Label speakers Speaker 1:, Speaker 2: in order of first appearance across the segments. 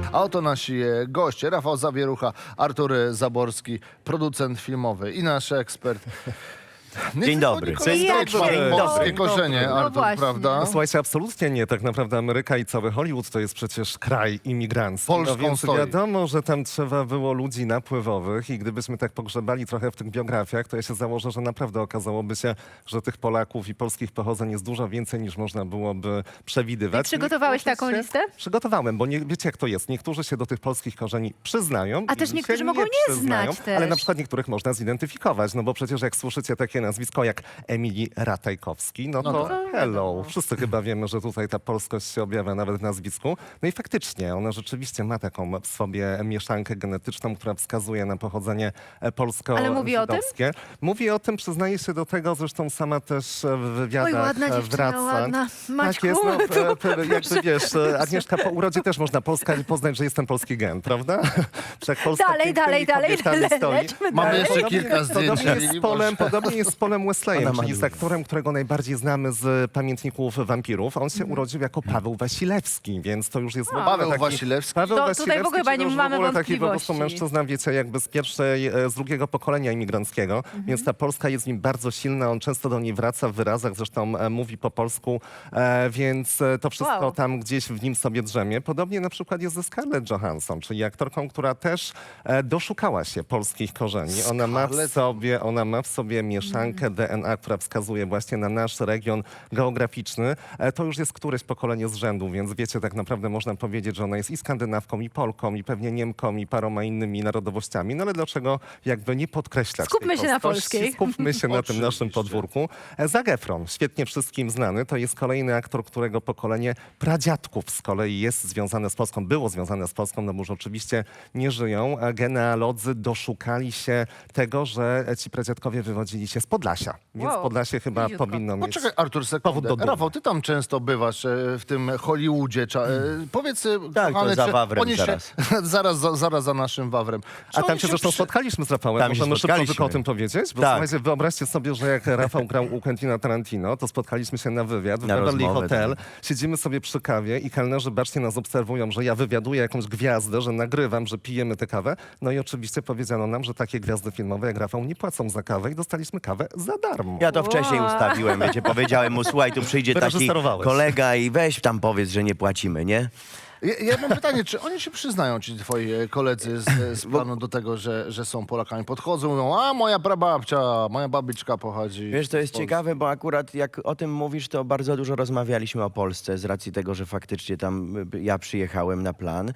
Speaker 1: A oto nasi goście. Rafał Zawierucha, Artur Zaborski, producent filmowy i nasz ekspert.
Speaker 2: Dzień dobry.
Speaker 1: Dzień dobry. Polskie korzenie,
Speaker 3: No
Speaker 1: Artur,
Speaker 3: właśnie.
Speaker 1: prawda?
Speaker 4: No słuchajcie, absolutnie nie. Tak naprawdę Ameryka i cały Hollywood to jest przecież kraj imigrancki.
Speaker 1: Polską
Speaker 4: No więc
Speaker 1: stoi.
Speaker 4: wiadomo, że tam trzeba było ludzi napływowych i gdybyśmy tak pogrzebali trochę w tych biografiach, to ja się założę, że naprawdę okazałoby się, że tych Polaków i polskich pochodzeń jest dużo więcej niż można byłoby przewidywać.
Speaker 3: Ty przygotowałeś
Speaker 4: Niektórzy
Speaker 3: taką
Speaker 4: się-
Speaker 3: listę?
Speaker 4: Przygotowałem, bo nie, wiecie jak to jest. Niektórzy się do tych polskich korzeni przyznają.
Speaker 3: A też
Speaker 4: inni
Speaker 3: niektórzy
Speaker 4: się
Speaker 3: mogą nie
Speaker 4: przyznają,
Speaker 3: znać też.
Speaker 4: Ale na przykład niektórych można zidentyfikować, no bo przecież jak słyszycie takie nazwisko jak Emilii Ratajkowski, no to hello. Wszyscy chyba wiemy, że tutaj ta polskość się objawia nawet w nazwisku. No i faktycznie ona rzeczywiście ma taką w sobie mieszankę genetyczną, która wskazuje na pochodzenie
Speaker 3: Ale mówi o tym?
Speaker 4: polsko-żydowskie. Mówi o tym, przyznaje się do tego, zresztą sama też w wywiadach
Speaker 3: Oj, ładna dziewczyna,
Speaker 4: wraca.
Speaker 3: ładna. Maćku,
Speaker 4: Tak jest, no, jakby wiesz, Agnieszka, po urodzie też można poznać, że jestem polski gen, prawda? Wszak Polska
Speaker 3: Dalej,
Speaker 4: pięknymi
Speaker 3: dalej,
Speaker 4: kobietami stoi.
Speaker 3: lećmy
Speaker 1: Mamy
Speaker 3: dalej.
Speaker 1: jeszcze kilka zdjęć.
Speaker 4: Podobnie jest z Polem Wesleyem,
Speaker 2: Ona ma
Speaker 4: czyli z
Speaker 2: dużo.
Speaker 4: aktorem, którego najbardziej znamy z pamiętników wampirów. On się urodził jako Paweł Wasilewski, więc to już jest w ogóle
Speaker 1: Paweł
Speaker 4: taki...
Speaker 1: Wasilewski.
Speaker 4: Paweł
Speaker 3: To tutaj
Speaker 4: Wasilewski,
Speaker 3: w ogóle
Speaker 4: czyli
Speaker 3: nie
Speaker 4: już
Speaker 3: mamy
Speaker 4: w ogóle taki po prostu
Speaker 3: wątpliwości.
Speaker 4: mężczyzna, wiecie, jakby z z drugiego pokolenia imigranckiego, więc ta Polska jest w nim bardzo silna, on często do niej wraca w wyrazach, zresztą mówi po polsku, więc to wszystko
Speaker 3: Wow.
Speaker 4: tam gdzieś w nim sobie drzemie. Podobnie na przykład jest ze Scarlett Johansson, czyli aktorką, która też doszukała się polskich korzeni. Ona ma w sobie mieszankę DNA, która wskazuje właśnie na nasz region geograficzny. To już jest któreś pokolenie z rzędu, więc wiecie, tak naprawdę można powiedzieć, że ona jest i Skandynawką, i Polką, i pewnie Niemką, i paroma innymi narodowościami. No ale dlaczego jakby nie podkreślać
Speaker 3: Skupmy
Speaker 4: tej
Speaker 3: się na
Speaker 4: polskości?
Speaker 3: polskiej.
Speaker 4: Skupmy się na tym naszym
Speaker 1: Oczywiście.
Speaker 4: podwórku. Zac Efron, świetnie wszystkim znany, to jest kolejny aktor, którego pokolenie pradziadków z kolei jest związane z Polską, było związane z Polską, no bo już oczywiście nie żyją. Genealodzy doszukali się tego, że ci pradziadkowie wywodzili się z Podlasia, więc
Speaker 3: Wow.
Speaker 4: Podlasie chyba
Speaker 3: Bliziutko.
Speaker 4: powinno mieć...
Speaker 1: Poczekaj, Artur,
Speaker 4: powód do
Speaker 1: sekundę.
Speaker 4: dumy.
Speaker 1: Rafał, ty tam często bywasz w tym Hollywoodzie. Powiedz,
Speaker 2: Tak,
Speaker 1: kochany,
Speaker 2: to za
Speaker 1: czy
Speaker 2: Wawrem
Speaker 1: oni
Speaker 2: zaraz.
Speaker 1: zaraz za naszym Wawrem. Czy
Speaker 4: A tam
Speaker 1: oni
Speaker 4: się zresztą
Speaker 1: przy-
Speaker 4: spotkaliśmy z Rafałem.
Speaker 2: Tam się
Speaker 4: Możemy szybko
Speaker 2: spotkaliśmy.
Speaker 4: tylko o tym powiedzieć? Bo
Speaker 2: Tak.
Speaker 4: słuchajcie, wyobraźcie sobie, że jak Rafał grał u Quentina Tarantino, to spotkaliśmy się na wywiad w
Speaker 2: Na
Speaker 4: Beverly
Speaker 2: rozmowę,
Speaker 4: Hotel.
Speaker 2: tak.
Speaker 4: Siedzimy sobie przy kawie i kelnerzy bacznie nas obserwują, że ja wywiaduję jakąś gwiazdę, że nagrywam, że pijemy tę kawę. No i oczywiście powiedziano nam, że takie gwiazdy filmowe jak Rafał nie płacą za kawę i dostaliśmy kawę za darmo.
Speaker 2: Ja to wcześniej
Speaker 3: Wow.
Speaker 2: ustawiłem, wiecie, powiedziałem mu, słuchaj, tu przyjdzie taki
Speaker 4: Wyreżyserowałeś.
Speaker 2: kolega i weź tam powiedz, że nie płacimy, nie?
Speaker 1: Ja mam pytanie, czy oni się przyznają, ci twoi koledzy z planu do tego, że są Polakami? Podchodzą, mówią, a moja prababcia, moja babiczka pochodzi
Speaker 2: Wiesz, to jest
Speaker 1: z Polski.
Speaker 2: ciekawe, bo akurat jak o tym mówisz, to bardzo dużo rozmawialiśmy o Polsce z racji tego, że faktycznie tam ja przyjechałem na plan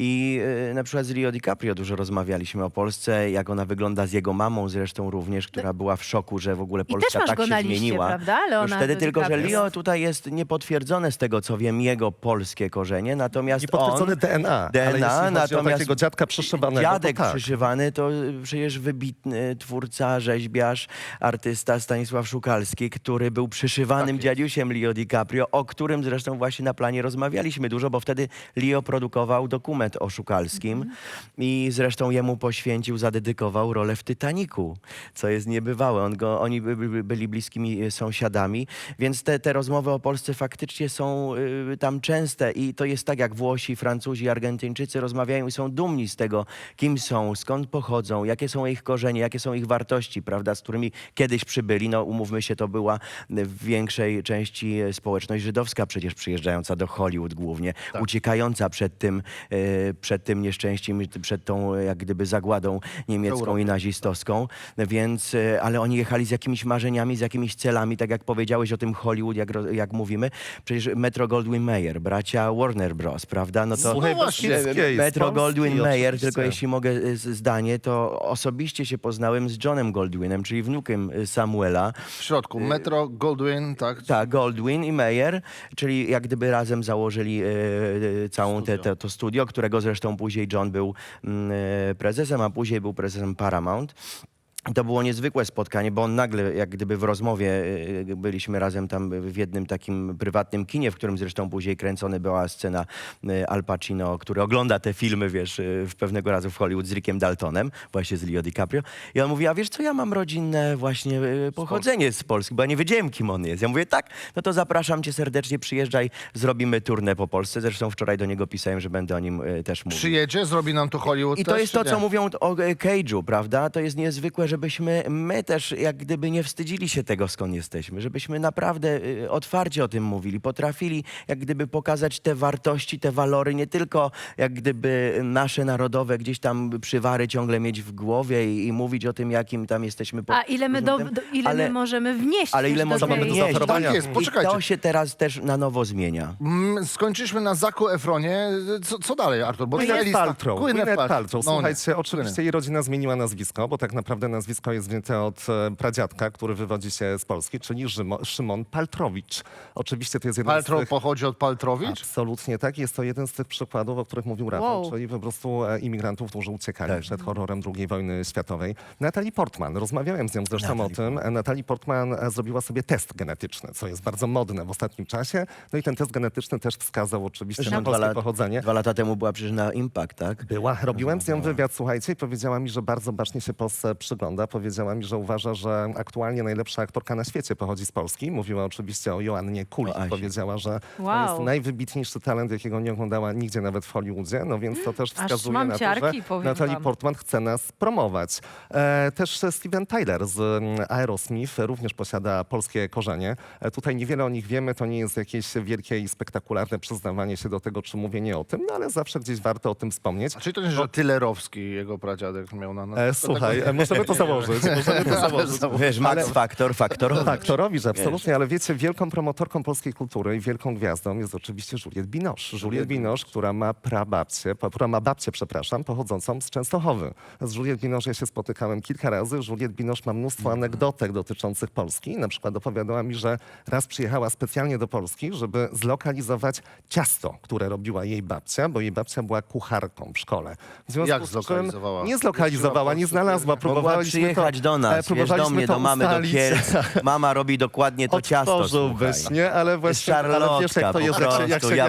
Speaker 2: i na przykład z Leo DiCaprio dużo rozmawialiśmy o Polsce, jak ona wygląda z jego mamą zresztą również, która była w szoku, że w ogóle
Speaker 3: I
Speaker 2: Polska
Speaker 3: też masz
Speaker 2: tak
Speaker 3: go
Speaker 2: się
Speaker 3: na liście,
Speaker 2: zmieniła.
Speaker 3: prawda?
Speaker 2: Już
Speaker 3: Leonardo
Speaker 2: wtedy tylko, że
Speaker 3: DiCaprio.
Speaker 2: Leo tutaj jest niepotwierdzone z tego, co wiem, jego polskie korzenie, natomiast
Speaker 4: Niepotwierdzone
Speaker 2: on...
Speaker 4: DNA, ale
Speaker 2: DNA,
Speaker 4: jeśli chodzi o
Speaker 2: natomiast
Speaker 4: takiego dziadka przyszywanego,
Speaker 2: Dziadek
Speaker 4: to tak.
Speaker 2: przyszywany to przecież wybitny twórca, rzeźbiarz, artysta Stanisław Szukalski, który był przyszywanym dziadziusiem Leo DiCaprio, o którym zresztą właśnie na planie rozmawialiśmy dużo, bo wtedy Leo produkował dokument o Szukalskim i zresztą jemu poświęcił, zadedykował rolę w Titanicu, co jest niebywałe. Oni byli bliskimi sąsiadami, więc te rozmowy o Polsce faktycznie są tam częste i to jest tak jak Włosi, Francuzi, Argentyńczycy rozmawiają i są dumni z tego, kim są, skąd pochodzą, jakie są ich korzenie, jakie są ich wartości, prawda, z którymi kiedyś przybyli. No umówmy się, to była w większej części społeczność żydowska przecież przyjeżdżająca do Hollywood głównie, uciekająca przed tym nieszczęściem, przed tą jak gdyby zagładą niemiecką i nazistowską, więc, ale oni jechali z jakimiś marzeniami, z jakimiś celami, tak jak powiedziałeś o tym Hollywood, jak mówimy, przecież Metro Goldwyn Mayer, bracia Warner Bros., prawda, no to
Speaker 4: Słuchaj,
Speaker 1: właśnie,
Speaker 4: Beskidzkiej, z
Speaker 2: Metro
Speaker 4: Polski
Speaker 2: Goldwyn Mayer,
Speaker 4: oczywiście.
Speaker 2: tylko jeśli mogę zdanie, to osobiście się poznałem z Johnem Goldwynem, czyli wnukiem Samuela.
Speaker 1: W środku, Metro, Goldwyn, tak?
Speaker 2: Tak, Goldwyn i Mayer, czyli jak gdyby razem założyli całą to studio, którego zresztą później John był prezesem, a później był prezesem Paramount. To było niezwykłe spotkanie, bo on nagle, jak gdyby w rozmowie, byliśmy razem tam w jednym takim prywatnym kinie, w którym zresztą później kręcona była scena Al Pacino, który ogląda te filmy, wiesz, w pewnego razu w Hollywood z Rickiem Daltonem, właśnie z Leo DiCaprio. I on mówi, a wiesz co, ja mam rodzinne właśnie pochodzenie z Polski, bo ja nie wiedziałem, kim on jest. Ja mówię, tak, no to zapraszam cię serdecznie, przyjeżdżaj, zrobimy turnę po Polsce. Zresztą wczoraj do niego pisałem, że będę o nim też mówił.
Speaker 1: Przyjedzie, zrobi nam tu Hollywood
Speaker 2: I to
Speaker 1: też,
Speaker 2: jest
Speaker 1: czy
Speaker 2: to,
Speaker 1: nie?
Speaker 2: co mówią o Cage'u, prawda? To jest niezwykłe, żebyśmy my też jak gdyby nie wstydzili się tego, skąd jesteśmy. Żebyśmy naprawdę otwarcie o tym mówili. Potrafili jak gdyby pokazać te wartości, te walory, nie tylko jak gdyby nasze narodowe gdzieś tam przywary ciągle mieć w głowie i mówić o tym, jakim tam jesteśmy.
Speaker 3: A ile my, my możemy wnieść?
Speaker 2: Ale ile
Speaker 3: też do
Speaker 2: możemy
Speaker 3: tej-
Speaker 2: wnieść?
Speaker 1: Tak jest,
Speaker 2: I
Speaker 1: poczekajcie.
Speaker 2: to się teraz też na nowo zmienia.
Speaker 1: Skończyliśmy na Zacu Efronie. Co dalej, Artur? Bo twoja
Speaker 4: Gwyneth
Speaker 1: lista-
Speaker 4: Paltrow.
Speaker 1: Gwyneth
Speaker 4: Gwyneth
Speaker 1: Paltrow.
Speaker 4: Paltrow.
Speaker 1: No nie.
Speaker 4: Słuchajcie, oczywiście
Speaker 1: Gwyneth.
Speaker 4: jej rodzina zmieniła nazwisko, bo tak naprawdę nazwisko jest wzięte od pradziadka, który wywodzi się z Polski, czyli Szymon Paltrowicz. Oczywiście to jest jeden z
Speaker 1: Paltrow
Speaker 4: tych...
Speaker 1: pochodzi od Paltrowicz?
Speaker 4: Absolutnie tak. Jest to jeden z tych przykładów, o których mówił Rafał,
Speaker 3: Wow.
Speaker 4: czyli po prostu imigrantów, którzy uciekali
Speaker 2: Tak.
Speaker 4: przed horrorem II wojny światowej. Natalie Portman, rozmawiałem z nią zresztą
Speaker 2: Natalie
Speaker 4: o tym. Natalie Portman zrobiła sobie test genetyczny, co jest bardzo modne w ostatnim czasie. No i ten test genetyczny też wskazał oczywiście na
Speaker 2: Zresztą
Speaker 4: polskie pochodzenie.
Speaker 2: 2 lata temu była przecież na Impact, tak?
Speaker 4: Robiłem z nią wywiad, słuchajcie, i powiedziała mi, że bardzo bacznie się Polsce przygląda. Powiedziała mi, że uważa, że aktualnie najlepsza aktorka na świecie pochodzi z Polski. Mówiła oczywiście o Joannie Kulik.
Speaker 2: O Asi.
Speaker 4: Powiedziała, że to
Speaker 3: Wow.
Speaker 4: jest najwybitniejszy talent, jakiego nie oglądała nigdzie, nawet w Hollywoodzie. No więc to też
Speaker 3: Aż
Speaker 4: wskazuje
Speaker 3: mam
Speaker 4: na to,
Speaker 3: ciarki,
Speaker 4: że
Speaker 3: powiem
Speaker 4: Natalie
Speaker 3: wam.
Speaker 4: Portman chce nas promować. Też Steven Tyler z Aerosmith również posiada polskie korzenie. Tutaj niewiele o nich wiemy, to nie jest jakieś wielkie i spektakularne przyznawanie się do tego, czy mówienie o tym, no ale zawsze gdzieś warto o tym wspomnieć.
Speaker 1: Czyli to nie, że Tylerowski, jego pradziadek miał na nazwisku?
Speaker 4: Słuchaj, możemy to założyć. Możemy to założyć.
Speaker 2: Wiesz, Max Factor, Faktorowy.
Speaker 4: Faktorowi, że absolutnie, ale wiecie, wielką promotorką polskiej kultury i wielką gwiazdą jest oczywiście Juliette Binoche. Juliette Binoche, która ma babcię, pochodzącą z Częstochowy. Z Juliette Binoche ja się spotykałem kilka razy. Juliette Binoche ma mnóstwo anegdotek dotyczących Polski. Na przykład opowiadała mi, że raz przyjechała specjalnie do Polski, żeby zlokalizować ciasto, które robiła jej babcia, bo jej babcia była kucharką w szkole. W związku
Speaker 1: Jak
Speaker 4: z czym
Speaker 1: zlokalizowała?
Speaker 4: Nie zlokalizowała, nie znalazła.
Speaker 2: Mogła
Speaker 4: Próbowaliśmy
Speaker 2: przyjechać do nas, wiesz, do
Speaker 4: próbowaliśmy
Speaker 2: mnie,
Speaker 4: to
Speaker 2: do mamy, do
Speaker 4: ustalić.
Speaker 2: Kielc. Mama robi dokładnie to ciasto,
Speaker 4: Otworzyłbyś,
Speaker 2: słuchaj.
Speaker 4: nie? Ale właśnie, ale wiesz jak to jest, jak się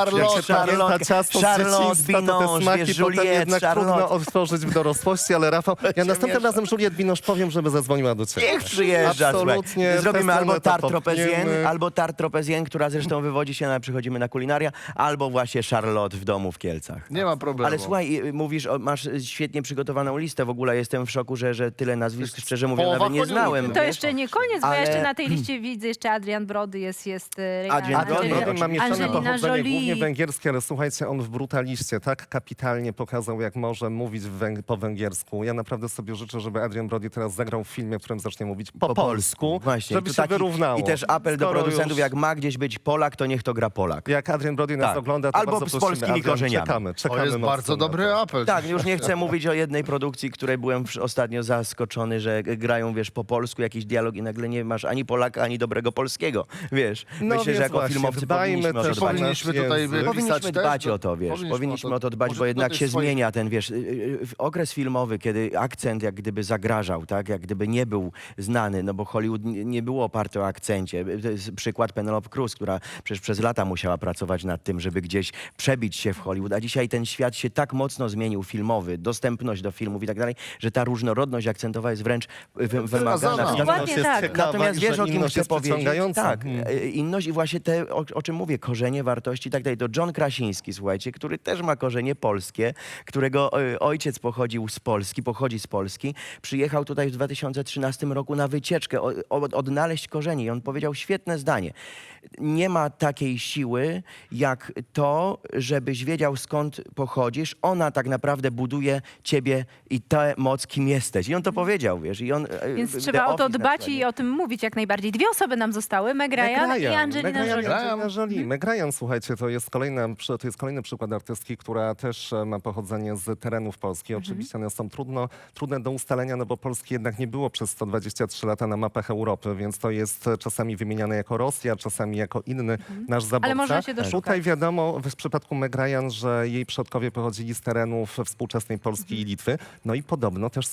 Speaker 4: pamięta ciasto z dzieciństwa, to te smaki potem jednak trudno otworzyć w dorosłości, ale Rafał, ja następnym razem Juliette Binoche powiem, żeby zadzwoniła do ciebie.
Speaker 2: Niech przyjeżdża,
Speaker 4: Absolutnie.
Speaker 2: słuchaj. Zrobimy
Speaker 4: tę
Speaker 2: albo
Speaker 4: scenę to
Speaker 2: tart tropezjen,
Speaker 4: popchniemy.
Speaker 2: albo tart tropezjen, która zresztą wywodzi się przychodzimy na kulinaria, albo właśnie Charlotte w domu w Kielcach.
Speaker 1: Nie ma problemu.
Speaker 2: Ale słuchaj, mówisz, masz świetnie przygotowaną listę. W ogóle jestem w szoku, że tyle nazwisk, szczerze mówiąc,
Speaker 1: połowa
Speaker 2: nawet nie
Speaker 1: Hollywoodu.
Speaker 2: znałem.
Speaker 3: To
Speaker 2: wiesz?
Speaker 3: jeszcze nie koniec, bo ja
Speaker 2: Ale-
Speaker 3: jeszcze na tej liście widzę jeszcze Adrian Brody, jest
Speaker 2: Adrian Brody,
Speaker 3: Angelina-
Speaker 4: Brody ma mieszane
Speaker 3: Angelina
Speaker 4: pochodzenie głównie
Speaker 3: Jolie.
Speaker 4: węgierskie, ale słuchajcie, on w Brutaliście tak kapitalnie pokazał, jak może mówić po węgiersku. Ja naprawdę sobie życzę, żeby Adrian Brody teraz zagrał w filmie, w którym zacznie mówić po polsku,
Speaker 2: Właśnie.
Speaker 4: żeby
Speaker 2: Tu
Speaker 4: się
Speaker 2: taki-
Speaker 4: wyrównało.
Speaker 2: I też apel do
Speaker 4: Skoro
Speaker 2: producentów,
Speaker 4: już-
Speaker 2: jak ma gdzieś być Polak, to niech to gra Polak.
Speaker 4: Jak Adrian Brody nas
Speaker 2: Tak.
Speaker 4: ogląda, to
Speaker 2: Albo
Speaker 4: bardzo
Speaker 2: z
Speaker 4: prosimy,
Speaker 2: polskimi
Speaker 4: Adrian,
Speaker 2: korzeniami.
Speaker 4: Czekamy
Speaker 1: To jest
Speaker 4: mocno
Speaker 1: bardzo
Speaker 4: na to.
Speaker 1: dobry apel.
Speaker 2: Tak, już nie chcę mówić o jednej produkcji, której byłem ostatnio zaskoczony, że grają, wiesz, po polsku jakiś dialog i nagle nie masz ani Polaka, ani dobrego polskiego, wiesz.
Speaker 4: No
Speaker 2: Myślę,
Speaker 4: więc
Speaker 2: że jako
Speaker 4: właśnie,
Speaker 2: filmowcy
Speaker 4: dbajmy
Speaker 2: powinniśmy o to
Speaker 4: też
Speaker 2: dbać.
Speaker 1: Powinniśmy
Speaker 4: nasz
Speaker 1: tutaj
Speaker 4: język.
Speaker 1: pisać
Speaker 2: Powinniśmy
Speaker 1: też,
Speaker 2: dbać
Speaker 1: no,
Speaker 2: o to, wiesz, powinniśmy o to dbać,
Speaker 1: może
Speaker 2: bo jednak
Speaker 1: do
Speaker 2: się
Speaker 1: tych swoich-
Speaker 2: zmienia ten, wiesz, okres filmowy, kiedy akcent jak gdyby zagrażał, tak, jak gdyby nie był znany, no bo Hollywood nie było oparte o akcencie. To jest przykład Penelope Cruz, która przecież przez lata musiała pracować nad tym, żeby gdzieś przebić się w Hollywood, a dzisiaj ten świat się tak mocno zmienił filmowy, dostępność do filmów i tak dalej, że ta różnorodność akcentowa jest wręcz wymagana.
Speaker 3: Dokładnie
Speaker 4: jest
Speaker 3: tak.
Speaker 4: ciekawa
Speaker 2: Natomiast
Speaker 4: i
Speaker 2: wiesz,
Speaker 4: że
Speaker 2: o kim
Speaker 4: inność
Speaker 2: chcę
Speaker 4: jest
Speaker 2: powiedzieć?
Speaker 4: przyciągająca.
Speaker 2: Tak, inność i właśnie te, o czym mówię, korzenie, wartości i tak dalej. To John Krasiński, słuchajcie, który też ma korzenie polskie, którego ojciec pochodzi z Polski, przyjechał tutaj w 2013 roku na wycieczkę, odnaleźć korzenie i on powiedział świetne zdanie. Nie ma takiej siły, jak to, żebyś wiedział, skąd pochodzisz. Ona tak naprawdę buduje ciebie i tę moc, kim jesteś. I on to powiedział, wiesz. I on,
Speaker 3: Więc
Speaker 2: The
Speaker 3: trzeba o to
Speaker 2: Office na
Speaker 3: dbać
Speaker 2: przykład,
Speaker 3: i o tym mówić jak najbardziej. 2 osoby nam zostały, Meg Ryan i Angelina Jolie.
Speaker 4: Meg Ryan, słuchajcie, to jest kolejny przykład artystki, która też ma pochodzenie z terenów Polski. Oczywiście one są trudne do ustalenia, no bo Polski jednak nie było przez 123 lata na mapach Europy, więc to jest czasami wymieniane jako Rosja, czasami jako inny nasz zabójca.
Speaker 3: Ale można się doszukać.
Speaker 4: Tutaj wiadomo w przypadku Meg Ryan, że jej przodkowie pochodzili z terenów współczesnej Polski i Litwy. No i podobno też, słuchajcie,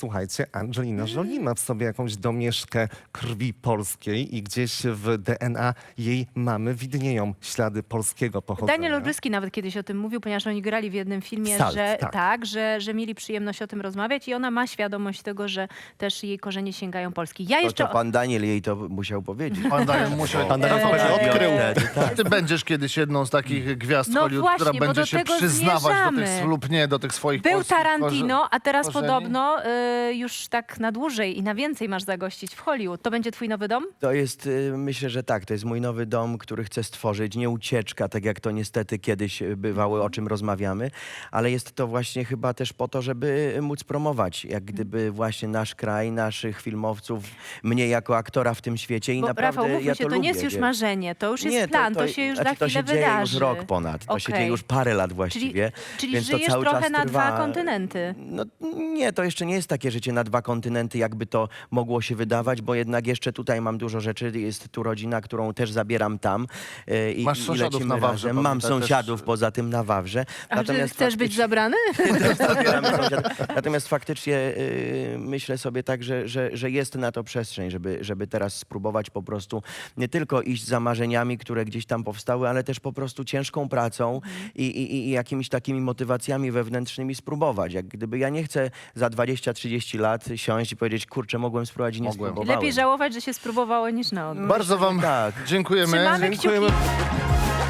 Speaker 4: Angelina Jolie ma w sobie jakąś domieszkę krwi polskiej i gdzieś w DNA jej mamy widnieją ślady polskiego pochodzenia.
Speaker 3: Daniel Olbryski nawet kiedyś o tym mówił, ponieważ oni grali w jednym filmie,
Speaker 4: Salt,
Speaker 3: że
Speaker 4: tak.
Speaker 3: że mieli przyjemność o tym rozmawiać i ona ma świadomość tego, że też jej korzenie sięgają Polski. Ja
Speaker 2: To,
Speaker 3: jeszcze...
Speaker 2: to pan Daniel jej to musiał powiedzieć.
Speaker 1: Pan Daniel musiał...
Speaker 4: Pan Daniel wtedy odkrył.
Speaker 1: Ty będziesz kiedyś jedną z takich gwiazd
Speaker 3: No
Speaker 1: Hollywood,
Speaker 3: właśnie,
Speaker 1: która
Speaker 3: bo
Speaker 1: będzie
Speaker 3: do
Speaker 1: się
Speaker 3: tego
Speaker 1: przyznawać do tych
Speaker 3: zmierzamy.
Speaker 1: lub nie, do tych swoich
Speaker 3: Był
Speaker 1: polskich
Speaker 3: Tarantino, a teraz
Speaker 1: korzeni.
Speaker 3: podobno już tak na dłużej i na więcej masz zagościć w Hollywood. To będzie twój nowy dom?
Speaker 2: To jest, myślę, że tak, to jest mój nowy dom, który chcę stworzyć. Nie ucieczka, tak jak to niestety kiedyś bywało, o czym rozmawiamy, ale jest to właśnie chyba też po to, żeby móc promować, jak gdyby właśnie nasz kraj, naszych filmowców, mnie jako aktora w tym świecie i
Speaker 3: Bo
Speaker 2: naprawdę
Speaker 3: Rafał, mówmy
Speaker 2: ja
Speaker 3: się,
Speaker 2: to
Speaker 3: to nie jest
Speaker 2: lubię,
Speaker 3: już
Speaker 2: wiesz.
Speaker 3: marzenie, to już jest plan, to się już za
Speaker 2: znaczy, to
Speaker 3: chwilę
Speaker 2: się dzieje
Speaker 3: wydarzy.
Speaker 2: już rok ponad, to się
Speaker 3: Okej.
Speaker 2: dzieje już parę lat właściwie.
Speaker 3: Czyli
Speaker 2: więc to
Speaker 3: żyjesz
Speaker 2: cały
Speaker 3: trochę
Speaker 2: czas
Speaker 3: na
Speaker 2: trwa.
Speaker 3: dwa kontynenty.
Speaker 2: No nie, to jeszcze nie jest takie życie na dwa kontynenty, jakby to mogło się wydawać, bo jednak jeszcze tutaj mam dużo rzeczy, jest tu rodzina, którą też zabieram tam i,
Speaker 1: Masz
Speaker 2: i
Speaker 1: sąsiadów
Speaker 2: lecimy
Speaker 1: na Wawrze,
Speaker 2: razem. Mam
Speaker 1: pamiętaj też.
Speaker 2: sąsiadów poza tym na Wawrze.
Speaker 3: A że chcesz być zabrany?
Speaker 2: Zabieramy sąsiadów. Natomiast faktycznie myślę sobie tak, że jest na to przestrzeń, żeby teraz spróbować po prostu nie tylko iść za marzeniami, które gdzieś tam powstały, ale też po prostu ciężką pracą i jakimiś takimi motywacjami wewnętrznymi spróbować. Jak gdyby ja nie chcę za 20-30 lat siąść i powiedzieć, kurczę, mogłem spróbować i nie
Speaker 1: Mogłem.
Speaker 2: spróbowałem.
Speaker 3: Lepiej żałować, że się spróbowało niż na odwrót.
Speaker 1: Bardzo wam
Speaker 2: Tak.
Speaker 1: dziękujemy.
Speaker 3: Trzymamy
Speaker 4: Dziękujemy.
Speaker 3: kciuki.